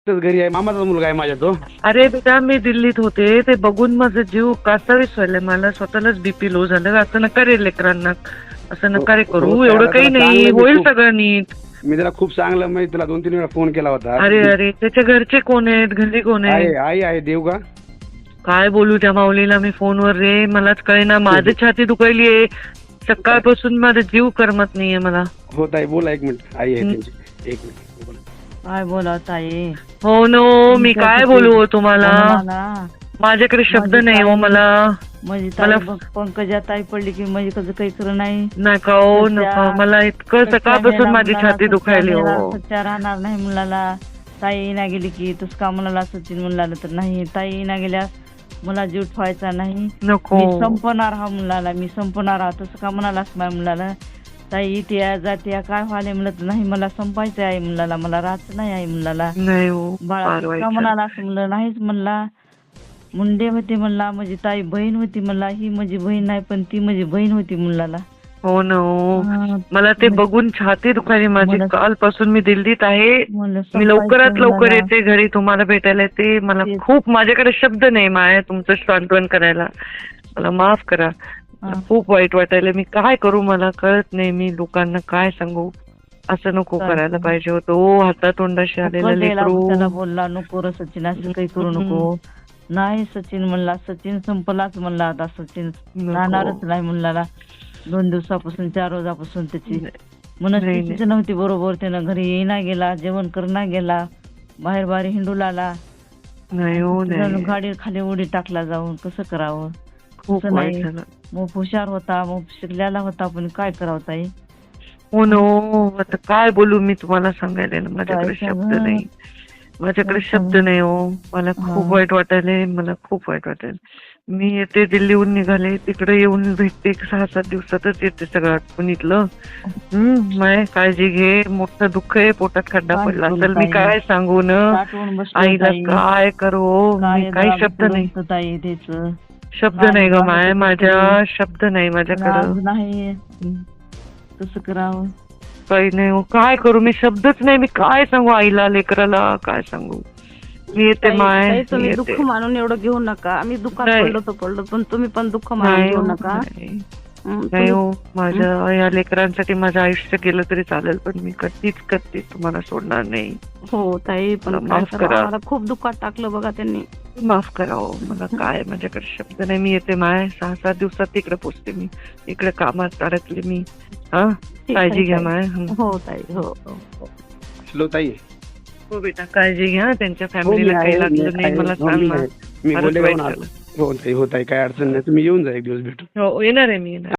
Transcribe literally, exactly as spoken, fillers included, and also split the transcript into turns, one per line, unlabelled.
तोच घरी आहे, मामाचा मुलगा आहे माझ्या तो.
अरे बेटा मी दिल्लीत होते ते बघून माझं जीव कासावीस व्हायला, मला स्वतःलाच बीपी लो झालं. असं नका रे लेकरांना, असं नका रे करू.
हो,
एवढं
त्याला
काही
त्याला
नाही,
चांगलं मी
होईल
खूप-
सगळं नीट.
मी त्याला खूप चांगलं म्हणजे तुला दोन तीन वेळा फोन केला होता.
अरे अरे त्याच्या घरचे कोण आहेत, घरी कोण
आहे
आहेत?
आई आहे देव का.
काय बोलू त्या माऊलीला मी फोनवर रे, मलाच कळेना. माझी छाती दुखायली आहे सकाळपासून, माझा जीव करमत नाहीये मला.
हो ताई बोला, एक मिनिट आई आहे
हं.
त्यांची, एक मिनिट बोला.
काय बोला ताई.
हो नो, मी काय बोलू हो तुम्हाला,
मला
माझ्याकडे शब्द
माझी
नाही हो
ताई-
मला.
माझी
मला-
ताई बघ, पंकजा ताई पडली की म्हणजे कसं काही खरं नाही.
नका हो
सध्या-
नका, मला इतकं
सच्चा
सकाळपासून
मेला
माझी
मुलाला,
छाती
सच्चा
दुखायली
मेला,
हो.
सच्चा राहणार नाही मुलाला. ताई ना गेली की तस का म्हणाला सचिन म्हणला तर नाही. ताई ना गेल्यास मला जीव ठेवायचा नाही,
नको
मी संपणार हा मुलाला, मी संपणार हा. तसं का म्हणालास माझ्या मुलाला. ताई इथे जाते काय व्हायला म्हणत नाही, मला संपायचं आहे मुलाला, मला राहायचं नाही आहे मुलाला.
नाही हो,
बाळा
फार
तसं
वाईट
का
झालं.
म्हणाला असं म्हणलं, नाहीच म्हणला. मुंडे होते म्हणला, माझी ताई बहीण होती म्हणला. ही माझी बहीण नाही पण ती माझी बहीण होती मुलाला.
हो ना हो,
हा,
मला ते बघून छाती दुखायली माझी.
मला-
कालपासून मी दिल्लीत आहे,
म्हणलं
मी
संपायचं
लवकरात लवकर
मुलाला.
येते घरी तुम्हाला भेटायला येते. मला
तेच.
खूप, माझ्याकडे शब्द नाही माया तुमचं सांत्वन करायला, मला माफ करा. मला
हा.
खूप वाईट वाटायला, मी काय करू मला कळत नाही. मी लोकांना काय सांगू, असं नको
काय
करायला
सांगू?
पाहिजे होतं हो. हातातोंडाशी आलेलं
उकल द्यायला
लेकरू.
त्याला बोलला, नको रे सचिन असं काही करू नको. नाही सचिन म्हणला, सचिन संपलाच म्हणला आता. सचिन
नको.
राहणारच नाही म्हणला. दोन दिवसापासून चार रोजापासून त्याची
नाही,
मनस्थितीच नव्हती बरोबर. त्यानं घरी येईना गेला, जेवण करणा गेला, बाहेर बाहेर हिंडू लागला.
नाही हो नाही,
गाडी खाली उडी टाकला जाऊन. कसं करावं.
खूप
असं
वाईट
नाही.
झालं.
मग हुशार होता, मग शिकलेला होता, पण काय करावं ताई.
हो नो, आता काय बोलू मी तुम्हाला सांगायला ना, माझ्याकडे
काय
शब्द
सांगू?
नाही, माझ्याकडे
काय
शब्द
सांगू?
नाही हो. मला खूप
हा.
वाईट वाटायलंय, मला खूप वाईट वाटायला. मी येते दिल्लीहून निघाले, तिकडे येऊन भेटते. एक सहा सात दिवसातच येते सगळं आटपून इथलं. हम्म, माय काळजी घे, मोठं दुःख आहे, पोटात खड्डा
काय
पडला
करू
असेल, मी
ताई?
काय सांगू न
साठवून बसलोय
आईला,
ताई.
काय करू.
काय
मी काही
जरा
शब्द नाही,
करून ताई त्याचं.
शब्द
काय
नाही ग
जरा
माय,
कसं
माझ्या
करू?
शब्द नाही माझ्याकडं.
आज नाही कसं करावं.
काही नाही हो, काय करू मी, शब्दच नाही. मी काय सांगू आईला, लेकराला काय सांगू. मी येते
ताई-
माय,
ताई,
मी
तुम्ही
येते.
दुःख मानून एवढं घेऊ नका. आम्ही दुःखात
नाही.
पडलो तर पडलो, पण तुम्ही पण दुःख मानून
नाही
घेऊ
हो,
नका.
नाही.
हं,
नाही
तुम्ही-
हो, माझ्या या लेकरांसाठी माझं आयुष्य गेलं तरी चालेल, पण मी कधीच कधीच तुम्हाला सोडणार नाही.
हो ताई, पण
मला
काय
माफ
करावं,
करा.
आम्हाला खूप दुःखात टाकलं बघा त्यांनी.
माफ करा हो, मला काय, माझ्याकडे शब्द नाही. मी येते माय, सहा सात दिवसात तिकडे पोचते. मी इकडे कामात अडकले मी. हा,
ठीक आहे,
काळजी घ्या
ताई.
माय. हं.
हो ताई, हो हो, हो.
हॅलो ताई.
हो बेटा, काळजी घ्या. त्यांच्या
हो, मी
फॅमिलीला
आहे,
काही
मी
लागलं नाही
आहे.
मला
हो,
सांग
मी
ना.
आहे. मी
फारच
बोलले
वाईट
जाऊन
झालं.
आलो. हो ताई, हो ताई, काय अडचण नाही, तुम्ही येऊन जा एक दिवस भेटू.
हो, येणार आहे मी, येणार.